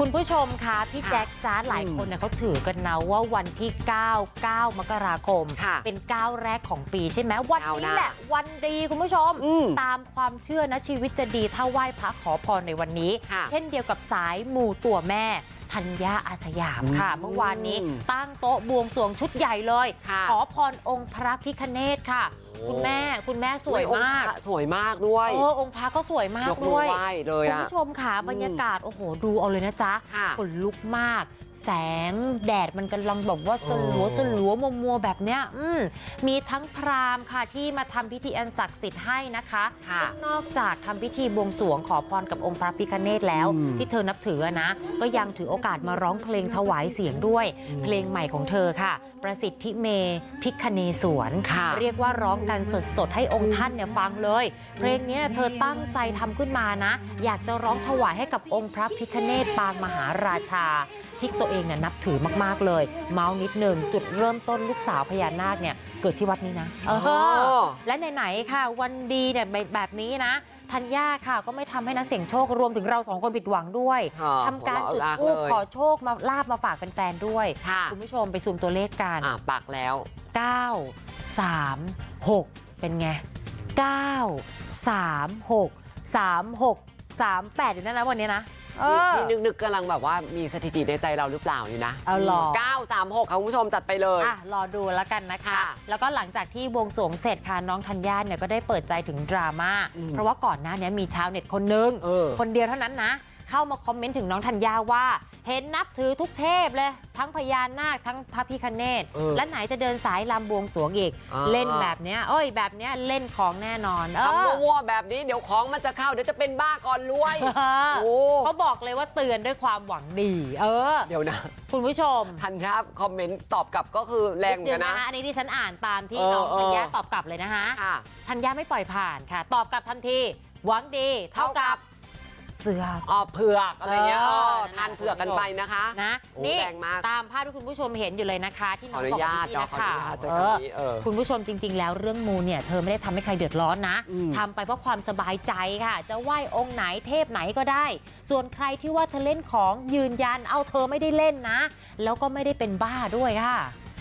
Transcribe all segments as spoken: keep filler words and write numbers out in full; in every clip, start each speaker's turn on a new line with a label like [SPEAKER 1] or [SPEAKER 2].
[SPEAKER 1] คุณผู้ชมคะพี่แจ็คจ้าหลายคนเนี่ยเขาถือกันนะว่าวันที่เก้า เก้ามกราคมเป็นก้าวแรกของปีใช่ไหมวันนี้แหละวันดีคุณผู้ชมตามความเชื่อนะชีวิตจะดีถ้าไหว้พระขอพรในวันนี้เช่นเดียวกับสายมูตัวแม่ธัญญาอาสยามค่ะเมื่อวานนี้ตั้งโต๊ะบวงสรวงชุดใหญ่เลยขอพรองค์พระพิฆเนศค่ะคุณแม่คุณแม่สวยมาก
[SPEAKER 2] สวยมากด้วย
[SPEAKER 1] เออองค์พระก็สวยมากด้วยคุณผู้ชมค่ะบรรยากาศโอ้โหดูเอาเลยนะจ๊ะขนลุกมากแสงแดดมันกำลังบอกว่าสลัวสลัวมัวมัวแบบเนี้ยอืมมีทั้งพราหมณ์ค่ะที่มาทำพิธีอันศักดิ์สิทธิ์ให้นะคะซึ่งนอกจากทำพิธีบวงสรวงขอพรกับองค์พระพิฆเนศแล้วที่เธอนับถือนะก็ยังถือโอกาสมาร้องเพลงถวายเสียงด้วยเพลงใหม่ของเธอค่ะประสิทธิเมพิฆเนศวรเรียกว่าร้องกันสดๆให้องค์ท่านเนี่ยฟังเลยเพลงนี้เธอตั้งใจทำขึ้นมานะอยากจะร้องถวายให้กับองค์พระพิฆเนศปางมหาราชาที่ตัวเองเนี่ยนับถือมากๆเลยเมาส์นิดนึงจุดเริ่มต้นลูกสาวพญานาคเนี่ยเกิดที่วัดนี้นะเออและไหนๆค่ะวันดีเนี่ยแบบนี้นะธัญญาค่ะก็ไม่ทำให้นักเสี่ยงโชครวมถึงเราสองคนผิดหวังด้วยทำการจุดธูปขอโชคมาลาบมาฝากแฟนๆด้วยคุณผู้ชมไปซูมตัวเลขกัน
[SPEAKER 2] อ่ะปักแล้ว
[SPEAKER 1] เก้า สาม หกเป็นไงเก้า สาม หก สาม หก สาม แปดอยู่นั่นนะวันนี้นะ
[SPEAKER 2] ที่นึกๆกำลังแบบว่ามีสถิติในใจเราหรือเปล่าอยู่นะ
[SPEAKER 1] เอาหรอ
[SPEAKER 2] เก้า สาม หกค่ะคุณผู้ชมจัดไปเลย
[SPEAKER 1] อ่ะรอดูแล้วกันนะคะแล้วก็หลังจากที่บวงสรวงเสร็จค่ะน้องธัญญาเนี่ยก็ได้เปิดใจถึงดราม่าเพราะว่าก่อนหน้านี้มีชาวเน็ตคนนึงคนเดียวเท่านั้นนะเข้ามาคอมเมนต์ถึงน้องธัญญาว่าเห็นนับถือทุกเทพเลยทั้งพญานาคทั้งพระพิฆเนศและไหนจะเดินสายลำบวงสรวงอีกเล่นแบบเนี้ยเอ้ยแบบเนี้ยเล่นของแน่นอน
[SPEAKER 2] ทำวัวแบบนี้เดี๋ยวของมันจะเข้าเดี๋ยวจะเป็นบ้าก่อนรวย
[SPEAKER 1] เขาบอกเลยว่าเตือนด้วยความหวังดีเออ
[SPEAKER 2] เดี๋ยวนะ
[SPEAKER 1] คุณผู้ชม
[SPEAKER 2] ธัญญาคอมเมนต์ตอบกลับก็คือแรงเหมือนกันนะ
[SPEAKER 1] อันนี้ที่ฉันอ่านตามที่น้องธัญญาตอบกลับเลยนะคะธัญญาไม่ปล่อยผ่านค่ะตอบกลับทันทีหวังดีเท่ากับเสือ
[SPEAKER 2] อ๋อเผือกอะไรเงี้ยทานเผือกกันไปนะคะ
[SPEAKER 1] นะนี่ตามภาพที่คุณผู้ชมเห็นอยู่เลยนะคะที่น้องบอกพี่นะคะคุณผู้ชมจริงๆแล้วเรื่องมูเนี่ยเธอไม่ได้ทำให้ใครเดือดร้อนนะทำไปเพราะความสบายใจค่ะจะไหว้องค์ไหนเทพไหนก็ได้ส่วนใครที่ว่าเธอเล่นของยืนยันเอาเธอไม่ได้เล่นนะแล้วก็ไม่ได้เป็นบ้าด้วยค่ะ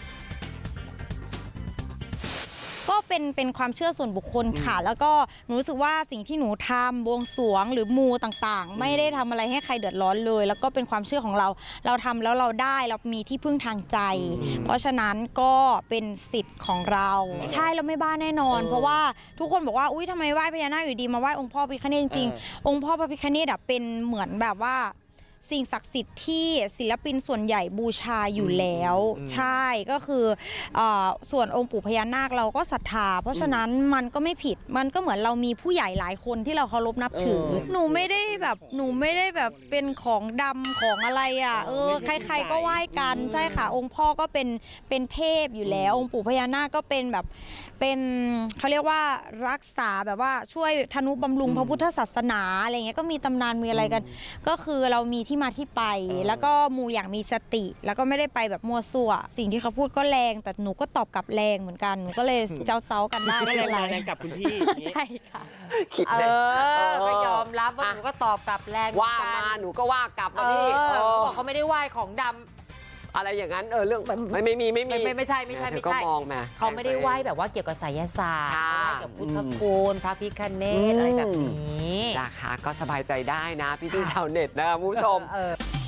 [SPEAKER 3] ก็เป็นเป็นความเชื่อส่วนบุคคลค่ะแล้วก็หนูรู้สึกว่าสิ่งที่หนูทำบวงสรวงหรือมูต่างๆไม่ได้ทำอะไรให้ใครเดือดร้อนเลยแล้วก็เป็นความเชื่อของเราเราทำแล้วเราได้เรามีที่พึ่งทางใจเพราะฉะนั้นก็เป็นสิทธิ์ของเราใช่เราไม่บ้าแน่นอนเพราะว่าทุกคนบอกว่าอุ้ยทำไมไหว้พญานาคอยู่ดีมาไหว้องค์พ่อพระพิฆเนศจริงๆองค์พ่อพระพิฆเนศเป็นเหมือนแบบว่าสิ่งศักดิ์สิทธิ์ที่ศิลปินส่วนใหญ่บูชาอยู่แล้วใช่ก็คือส่วนองค์ปู่พญานาคเราก็ศรัทธาเพราะฉะนั้นมันก็ไม่ผิดมันก็เหมือนเรามีผู้ใหญ่หลายคนที่เราเคารพนับถือหนูไม่ได้แบบหนูไม่ได้แบบเป็นของดำของอะไรอ่ะเออใครๆก็ไหว้กันใช่ค่ะองค์พ่อก็เป็นเป็นเทพอยู่แล้วองค์ปู่พญานาคก็เป็นแบบเป็นเขาเรียกว่ารักษาแบบว่าช่วยทนุบำรุงพระพุทธศาสนาอะไรเงี้ยก็มีตำนานมีอะไรกันก็คือเรามีที่มาที่ไปแล้วก็มูอย่างมีสติแล้วก็ไม่ได้ไปแบบมั่วซั่วสิ่งที่เขาพูดก็แรงแต่หนูก็ตอบกลับแรงเหมือนกันหนูก็เลยเจ้าเจ้ากันได้
[SPEAKER 4] ก็เลยแรงกับคุณพี่
[SPEAKER 3] ใช่ค่ะ
[SPEAKER 2] คิด
[SPEAKER 1] เออก็ยอมรับว่าหนูก็ตอบกลับแรง
[SPEAKER 2] ว่ามาหนูก็ว่ากลับมาพี่
[SPEAKER 1] เขาบอกเขาไม่ได้ไหว้ของดำ
[SPEAKER 2] อะไรอย่างนั้นเออเรื่องไม่ไม่มีไม่มี
[SPEAKER 1] ไม่ไม่ใช่ไม่ใช่ไม่ใช่เขาไม่ได้ไหว้แบบว่าเกี่ยวกับไสยศาสตร์ไหว้กับพุทธคุณพระพิฆเนศอะไรแบบนี้
[SPEAKER 2] นะคะก็สบายใจได้นะพี่ๆชาวเน็ตนะผู้ชม